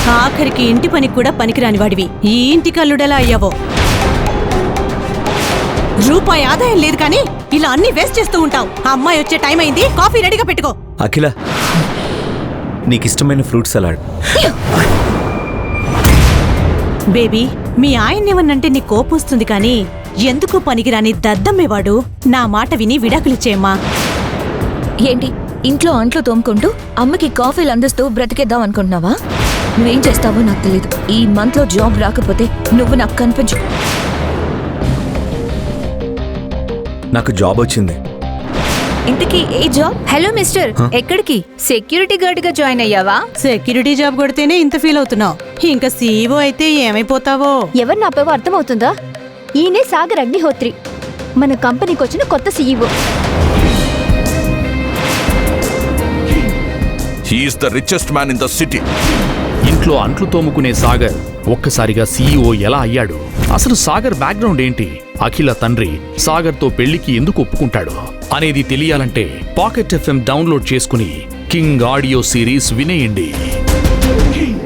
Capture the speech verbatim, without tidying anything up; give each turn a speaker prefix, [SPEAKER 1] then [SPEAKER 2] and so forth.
[SPEAKER 1] ఆఖరికి ఇంటి పనికి కూడా పనికిరాని వాడివి ఈ ఇంటి కల్లుడెలా అయ్యావో. రూపాయి ఆదాయం లేదు కానీ ఇలా అన్ని వేస్ట్ చేస్తూ ఉంటావు. ఆ అమ్మాయి వచ్చే టైం అయింది, కాఫీ రెడీగా పెట్టుకో.
[SPEAKER 2] అఖిల, నీకిష్టమైన ఫ్రూట్ సలాడ్.
[SPEAKER 1] బేబీ, మీ ఆయన్నేమన్నంటే నీ కోపం వస్తుంది కానీ ఎందుకు పనికిరాని దద్దమ్మేవాడు. నా మాట విని విడాకులిచ్చేయమ్మా.
[SPEAKER 3] ఏంటి ఇంట్లో అంట్లు తోముకుంటూ అమ్మకి కాఫీలు అందిస్తూ బ్రతికేద్దాం అనుకుంటున్నావా? నువ్వేం చేస్తావో నాకు తెలీదు. ఈ మంత్ లో జాబ్ రాకపోతే నువ్వు నాకు కనిపించు.
[SPEAKER 2] నాకు జాబ్ వచ్చింది.
[SPEAKER 3] ఇంతకీ ఏ జాబ్?
[SPEAKER 4] హలో మిస్టర్, ఎక్కడికి? సెక్యూరిటీ గార్డ్ గా జాయిన్ అయ్యావా?
[SPEAKER 1] సెక్యూరిటీ జాబ్ కొడితేనే ఇంత ఫీల్ అవుతున్నావు, ఇంకా సీఈఓ అయితే ఏమైపోతావో.
[SPEAKER 5] ఎవరు నాపేవో అర్థమవుతుందా? ఈయనే సాగర్ అగ్నిహోత్రి, మన కంపెనీకి వచ్చిన కొత్త CEO.
[SPEAKER 6] He is the richest man in the city.
[SPEAKER 7] ఇంట్లో అంట్లు తోముకునే సాగర్ ఒక్కసారిగా సీఈఓ ఎలా అయ్యాడు? అసలు సాగర్ బ్యాక్గ్రౌండ్ ఏంటి? అఖిల తండ్రి సాగర్తో పెళ్లికి ఎందుకు ఒప్పుకుంటాడు అనేది తెలియాలంటే పాకెట్ ఎఫ్ఎం డౌన్లోడ్ చేసుకుని కింగ్ ఆడియో సిరీస్ వినేయండి.